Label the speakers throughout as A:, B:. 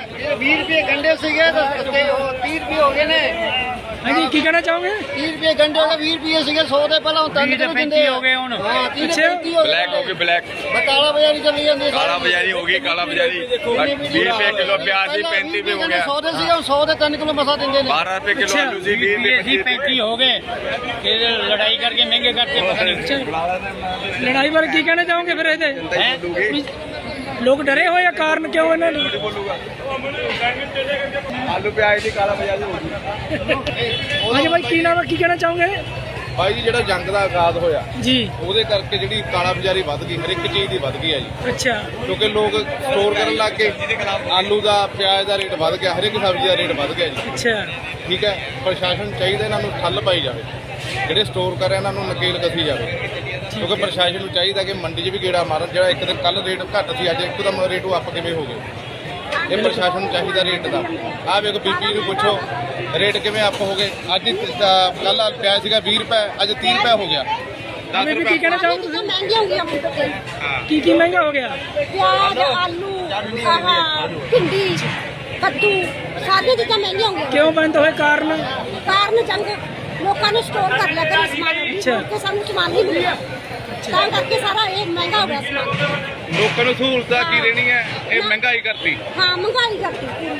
A: 20 ਰੁਪਏ ਗੰਡੇ ਸੀਗੇ ਤੇ 30 ਰੁਪਏ ਹੋ ਗਏ ਨੇ।
B: ਹਾਂਜੀ ਕੀ ਕਹਿਣਾ ਚਾਹੋਗੇ?
A: 30 ਰੁਪਏ ਗੰਡੇ ਹੋ ਗਏ, 20 ਰੁਪਏ ਸੀਗੇ 100 ਦੇ ਪਹਿਲਾਂ, ਹੁਣ 3 ਕਿਲੋ ਦਿੰਦੇ ਹੋ ਗਏ ਹੁਣ। ਹਾਂ 30
B: ਅੱਛਾ।
C: ਬਲੈਕ ਹੋ ਗਈ ਬਲੈਕ,
A: ਕਾਲਾ ਬਾਜ਼ਾਰੀ ਚੱਲੀ ਜਾਂਦੀ ਹੈ।
C: ਕਾਲਾ ਬਾਜ਼ਾਰੀ ਹੋ ਗਈ, ਕਾਲਾ ਬਾਜ਼ਾਰੀ 20 ਰੁਪਏ ਕਿਲੋ ਪਿਆਜ਼ ਸੀ, 35 ਰੁਪਏ ਹੋ ਗਿਆ।
A: 100 ਦੇ ਸੀਗੇ, 100 ਦੇ 3 ਕਿਲੋ ਮਸਾ ਦਿੰਦੇ ਨੇ।
C: 12 ਰੁਪਏ ਕਿਲੋ ਆਲੂ ਸੀ, 20 ਰੁਪਏ
D: 35 ਹੋ ਗਏ। ਇਹ ਲੜਾਈ ਕਰਕੇ ਮਹਿੰਗੇ ਕਰਤੇ ਪਤਾ ਨਹੀਂ।
B: ਲੜਾਈ ਬਾਰੇ ਕੀ ਕਹਿਣਾ ਚਾਹੋਗੇ ਫਿਰ ਇਹਦੇ? ਵੀ ਲੋਕ ਡਰੇ ਹੋਏ ਆ, ਕਾਰਨ ਕਿਉਂ ਇਹਨਾਂ ਨੂੰ?
C: ਆਲੂ ਪਿਆਜ਼ ਦੀ ਕਾਲਾ ਬਾਜ਼ਾਰੀ ਹੋ ਗਈ।
B: ਹਾਂਜੀ ਬਾਈ ਕੀ ਨਾਮ ਹੈ, ਕੀ ਕਹਿਣਾ ਚਾਹੋਗੇ?
E: ਭਾਈ ਜੀ ਜਿਹੜਾ ਜੰਗ ਦਾ ਆਗਾਜ਼ ਹੋਇਆ
B: ਜੀ
E: ਉਹਦੇ ਕਰਕੇ ਜਿਹੜੀ ਕਾਲਾ ਬਾਜ਼ਾਰੀ ਵੱਧ ਗਈ, ਹਰ ਇੱਕ ਚੀਜ਼ ਦੀ ਵੱਧ ਗਈ ਹੈ ਜੀ,
B: ਅੱਛਾ
E: ਕਿਉਂਕਿ ਲੋਕ ਸਟੋਰ ਕਰਨ ਲੱਗ ਗਏ। ਆਲੂ ਦਾ ਪਿਆਜ਼ ਦਾ ਰੇਟ ਵੱਧ ਗਿਆ, ਹਰ ਇੱਕ ਸਬਜ਼ੀ ਦਾ ਰੇਟ ਵੱਧ ਗਿਆ ਜੀ।
B: ਅੱਛਾ
E: ਠੀਕ ਹੈ, ਪ੍ਰਸ਼ਾਸਨ ਚਾਹੀਦਾ ਇਹਨਾਂ ਨੂੰ ਠੱਲ ਪਾਈ ਜਾਵੇ, ਜਿਹੜੇ ਸਟੋਰ ਕਰ ਰਹੇ ਇਹਨਾਂ ਨੂੰ ਨਕੇਲ ਕਸੀ ਜਾਵੇ, ਕਿਉਂਕਿ ਪ੍ਰਸ਼ਾਸਨ ਨੂੰ ਚਾਹੀਦਾ ਕਿ ਮੰਡੀ 'ਚ ਵੀ ਗੇੜਾ ਮਾਰਨ। ਜਿਹੜਾ ਇੱਕ ਦਿਨ ਕੱਲ ਰੇਟ ਘੱਟ ਸੀ, ਅੱਜ ਇੱਕਦਮ ਰੇਟ ਉਹ ਅੱਪ ਕਿਵੇਂ ਹੋ ਗਏ? ਇਹ ਪ੍ਰਸ਼ਾਸਨ ਨੂੰ ਚਾਹੀਦਾ ਰੇਟ ਦਾ। ਆਹ ਵੇਖੋ ਬੀਬੀ ਨੂੰ ਪੁੱਛੋ ਰੇਟ ਕਿਵੇਂ ਅੱਪ ਹੋ ਗਏ। ਅੱਜ ਕੱਲ ਪਿਆਜ਼ ਸੀਗਾ 20 ਰੁਪਏ, ਅੱਜ 30 ਰੁਪਏ ਹੋ ਗਿਆ।
B: ਮੈਂ ਵੀ ਕੀ ਕਹਿਣਾ ਚਾਹੋਗੇ ਤੁਸੀਂ?
F: महंगी हो गया मुझे।
B: ਕੀ ਮਹਿੰਗਾ ਹੋ ਗਿਆ?
F: प्याज आलू भिंडी कद्दू सारी चीज़ें महंगी होंगी।
B: ਕਿਉਂ ਬੰਦ ਹੋਏ ਕਾਰਨ?
F: कारण जंग लोगों ने स्टोर कर लिया कर सामान
B: अच्छा।
F: के सामने सामान नहीं मिला, ਤਾਂ ਕਰਕੇ ਸਾਰਾ ਇਹ ਮਹਿੰਗਾ ਹੋ ਗਿਆ ਸਮਾਨ।
E: ਲੋਕਾਂ ਨੂੰ ਸਹੂਲਤਾਂ ਕੀ ਦੇਣੀ ਹੈ, ਇਹ ਮਹਿੰਗਾਈ ਕਰਤੀ।
F: ਹਾਂ ਮਹਿੰਗਾਈ ਕਰਤੀ ਪੂਰੀ।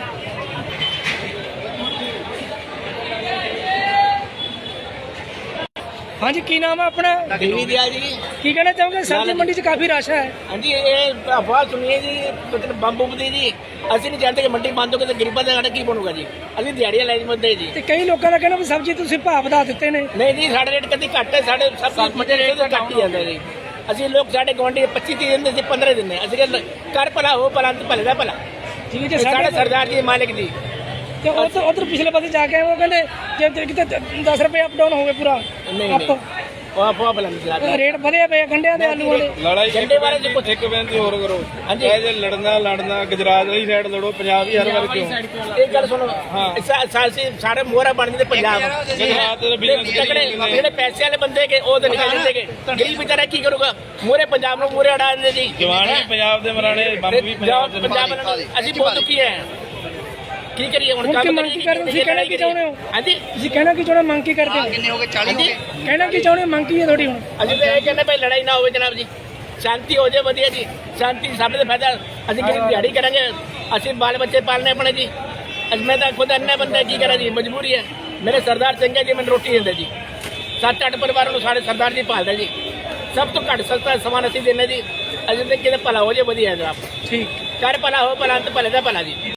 B: ਹਾਂਜੀ ਕੀ ਨਾਮ ਹੈ ਆਪਣਾ?
D: ਦੇਵੀ ਦਿਆ ਜੀ।
B: ਕੀ ਕਹਿਣਾ ਚਾਹੋਗੇ? ਸਬਜ਼ੀ ਮੰਡੀ 'ਚ ਕਾਫੀ ਰਸ਼ ਹੈ।
D: ਹਾਂਜੀ ਇਹ ਅਫਵਾਹ ਸੁਣੀਏ ਜੀ, ਮਤਲਬ ਬੰਬ ਦੀ ਜੀ। ਅਸੀਂ ਨਹੀਂ ਜਾਣਦੇ ਕਿ ਮੰਡੀ ਬੰਦ ਹੋ ਗਈ ਤਾਂ ਗਰੀਬਾਂ ਦਾ ਕੀ ਬਣੂਗਾ ਜੀ। ਅਸੀਂ ਦਿਹਾੜੀਆਂ ਲੈ ਜਾਂਦੇ ਜੀ।
B: ਤੇ ਕਈ ਲੋਕਾਂ ਦਾ ਕਹਿਣਾ ਵੀ ਸਬਜ਼ੀ ਤੁਸੀਂ ਭਾਅ ਵਧਾ ਦਿੱਤੇ ਨੇ।
D: ਨਹੀਂ ਜੀ ਸਾਡੇ ਰੇਟ ਕਦੀ ਘੱਟ ਹੈ, ਸਾਡੇ ਸਭ ਮੰਡੀ ਰੇਟ ਤਾਂ ਘੱਟ ਹੀ ਜਾਂਦਾ ਜੀ। ਅਸੀਂ ਲੋਕ ਸਾਡੇ ਗੁਆਂਢੀ 25 30 ਦਿੰਦੇ ਸੀ, 15 ਦਿੰਦੇ। ਅਸੀਂ ਕਹਿੰਦੇ ਕਰ ਭਲਾ ਹੋ ਭਲਾ ਤੇ ਭਲੇ ਦਾ ਭਲਾ।
B: ਠੀਕ ਹੈ
D: ਇਹ ਸਾਡੇ ਸਰਦਾਰ ਜੀ ਮਾਲਿਕ ਜੀ।
B: ਤੇ ਉਧਰ ਪਿਛਲੇ ਪਾਸੇ ਜਾ ਕੇ ਉਹ ਕਹਿੰਦੇ ਜੇ ਕਿਤੇ 10 ਰੁਪਏ ਅਪ ਡਾਊਨ ਹੋ ਗਏ ਪੂਰਾ
D: ਨਹੀਂ
B: ਅਪ
D: ਉਹ ਅਫਵਾਹ ਬਲੰਦ
B: ਰੇਟ ਵਧੇ ਪਏ ਗੰਢਿਆਂ ਦੇ ਆਲੂਆਂ ਦੇ।
E: ਲੜਾਈ
D: ਝੰਡੇ ਬਾਰੇ ਜੀ ਕੁਛ
E: ਇੱਕ ਬੇਨਤੀ ਹੋਰ ਕਰੋ।
D: ਹਾਂਜੀ।
E: ਇਹ ਜੇ ਲੜਨਾ ਗੁਜਰਾਤ ਵਾਲੀ ਸਾਈਡ ਲੜੋ, ਪੰਜਾਬ ਹੀ ਹਰ ਵਾਰ ਕਿਉਂ?
D: ਇਹ ਗੱਲ ਸੁਣੋ, ਸਾਰੇ ਮੋਹਰਾ ਬਣ ਜਾਂਦੇ ਪੰਜਾਬ।
E: ਗੁਜਰਾਤ ਦੇ business
D: ਤਕੜੇ ਜਿਹੜੇ ਪੈਸੇ ਵਾਲੇ ਬੰਦੇ ਕੇ ਉਹ ਤਾਂ ਨਿਕਲ ਜਾਂਦੇ ਕੇ। ਗਰੀਬ ਵਿਚਾਰਾ ਕੀ ਕਰੂਗਾ? ਮੋਹਰੇ ਪੰਜਾਬ ਨੂੰ ਮੋਹਰੇ ਅੜਾ ਦਿੰਦੇ ਜੀ।
E: ਜਵਾਨ ਵੀ ਪੰਜਾਬ ਦੇ ਮਰਾਣੇ, ਬੰਬ ਵੀ ਪੰਜਾਬ ਦੇ।
D: ਪੰਜਾਬ ਵਾਲਿਆਂ ਨੂੰ ਅਸੀਂ ਬਹੁਤ ਦੁਖੀ ਹੈ। ਕੀ ਕਰੀਏ ਹੁਣ?
B: ਹੁਣ ਕੀ
D: ਕੰਮ
B: ਮੰਗ ਕੀ ਕਰਦੇ? ਤੁਸੀਂ ਕਹਿਣਾ ਕੀ ਚਾਹੁੰਦੇ ਹੋ?
D: ਹਾਂਜੀ
B: ਤੁਸੀਂ ਕਹਿਣਾ ਕੀ ਚਾਹੁੰਦੇ ਹੋ? ਮੰਗ ਕੀ ਕਰਦੇ ਹੋ?
A: ਕਿੰਨੇ ਹੋ ਗਏ? 40 ਹੋ ਗਏ।
B: ਕਹਿਣਾ ਕੀ ਚਾਹੁੰਦੇ ਹੋ? ਮੰਗ ਕੀ ਹੈ ਤੁਹਾਡੀ ਹੁਣ?
D: ਅਸੀਂ ਤਾਂ ਇਹ ਕਹਿੰਦੇ ਭਾਈ ਲੜਾਈ ਨਾ ਹੋਵੇ ਜਨਾਬ ਜੀ, ਸ਼ਾਂਤੀ ਹੋ ਜਾਏ ਵਧੀਆ ਜੀ। ਸ਼ਾਂਤੀ ਸਾਡੇ ਦਾ ਫਾਇਦਾ। ਅਸੀਂ ਕਿਹੜੀ ਦਿਹਾੜੀ ਕਰਾਂਗੇ? ਅਸੀਂ ਬਾਲ ਬੱਚੇ ਪਾਲਣੇ ਆਪਣੇ ਜੀ। ਅੱਜ ਮੈਂ ਤਾਂ ਖੁਦ ਅੰਨਾ ਬੰਦਾ, ਕੀ ਕਰਾਂ ਜੀ, ਮਜਬੂਰੀ ਹੈ। ਮੇਰੇ ਸਰਦਾਰ ਚੰਗੇ ਜੀ ਮੈਨੂੰ ਰੋਟੀ ਦਿੰਦੇ ਜੀ। 7-8 ਪਰਿਵਾਰਾਂ ਨੂੰ ਸਾਡੇ ਸਰਦਾਰ ਜੀ ਪਾਲਦੇ ਜੀ। ਸਭ ਤੋਂ ਘੱਟ ਸਸਤਾ ਸਮਾਨ ਅਸੀਂ ਦਿੰਦੇ ਜੀ। ਅਸੀਂ ਤਾਂ ਕਿਤੇ ਭਲਾ ਹੋ ਜਾਏ ਵਧੀਆ ਜਨਾਬ।
B: ਠੀਕ
D: ਕਰ ਭਲਾ ਹੋ ਭਲਾ ਤੇ ਭਲੇ ਦਾ ਭਲਾ ਜੀ।